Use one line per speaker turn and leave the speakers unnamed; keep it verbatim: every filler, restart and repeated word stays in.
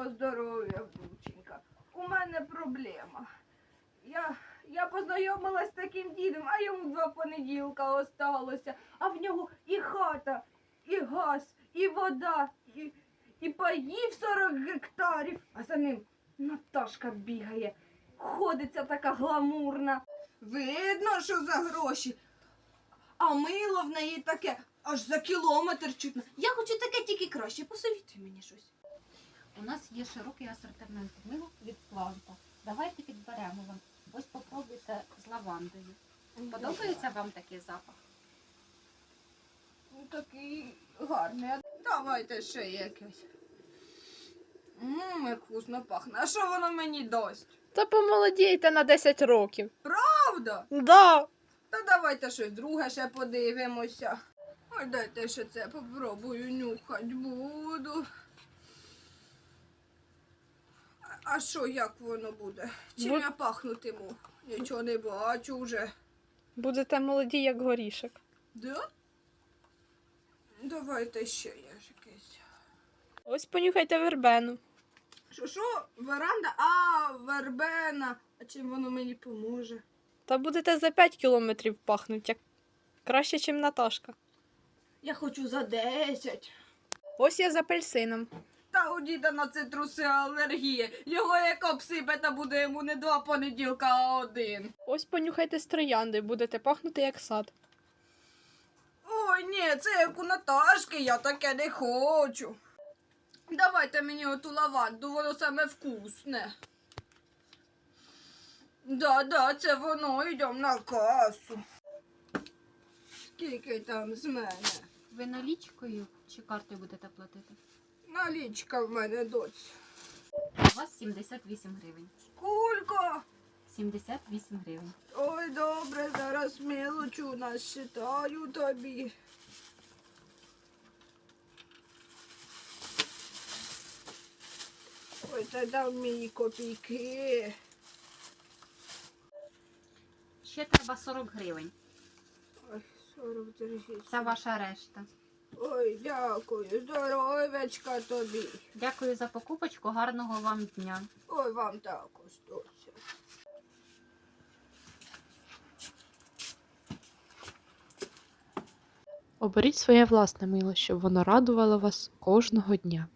Доброго здоров'я, внученька. У мене проблема. Я, я познайомилась з таким дідом, а йому два понеділка осталося. А в нього і хата, і газ, і вода, і, і паїв сорок гектарів. А за ним Наташка бігає. Ходиться така гламурна. Видно, що за гроші. А мило в неї таке, аж за кілометр чутно. Я хочу таке тільки краще. Посовітуй мені щось.
У нас є широкий асортимент мил від Кванта. Давайте підберемо вам. Ось попробуйте з лавандою. Подобається вам такий запах?
Ну, такий гарний. Давайте ще якесь. Ммм, як вкусно пахне. А що воно мені дасть?
Та помолодійте на десять років.
Правда?
Да.
Та давайте щось друге ще подивимося. Ой, дайте ще це попробую, нюхать буду. А- А що, як воно буде? Чим
Бу-
я пахнутиму? Нічого не бачу вже.
Будете молоді, як горішок.
Да? Давайте ще є ж якесь.
Ось понюхайте вербену.
Що, що? Веранда? А, вербена. А чим воно мені поможе?
Та будете за п'ять кілометрів пахнуть, як краще, ніж Наташка.
Я хочу за десять.
Ось я з апельсином.
Та у діда на цитруси алергія. Його як обсипе, та буде йому не два понеділка, а один.
Ось понюхайте з троянди, будете пахнути як сад.
Ой, ні, це як у Наташки, я таке не хочу. Давайте мені оту лаванду, воно саме вкусне. Да, да, це воно, йдемо на касу. Скільки там з мене?
Ви налічкою чи картою будете платити?
Налічка в мене, доць.
У вас сімдесят вісім гривень.
Скільки?
сімдесят вісім гривень.
Ой, добре, зараз мелочу насчитаю тобі. Ой, це дав мені копійки.
Ще треба сорок гривень.
Ой, сорок держіть.
Це ваша решта.
Ой, дякую, здоровечка тобі.
Дякую за покупочку, гарного вам дня.
Ой, вам також, доця.
Оберіть своє власне мило, щоб воно радувало вас кожного дня.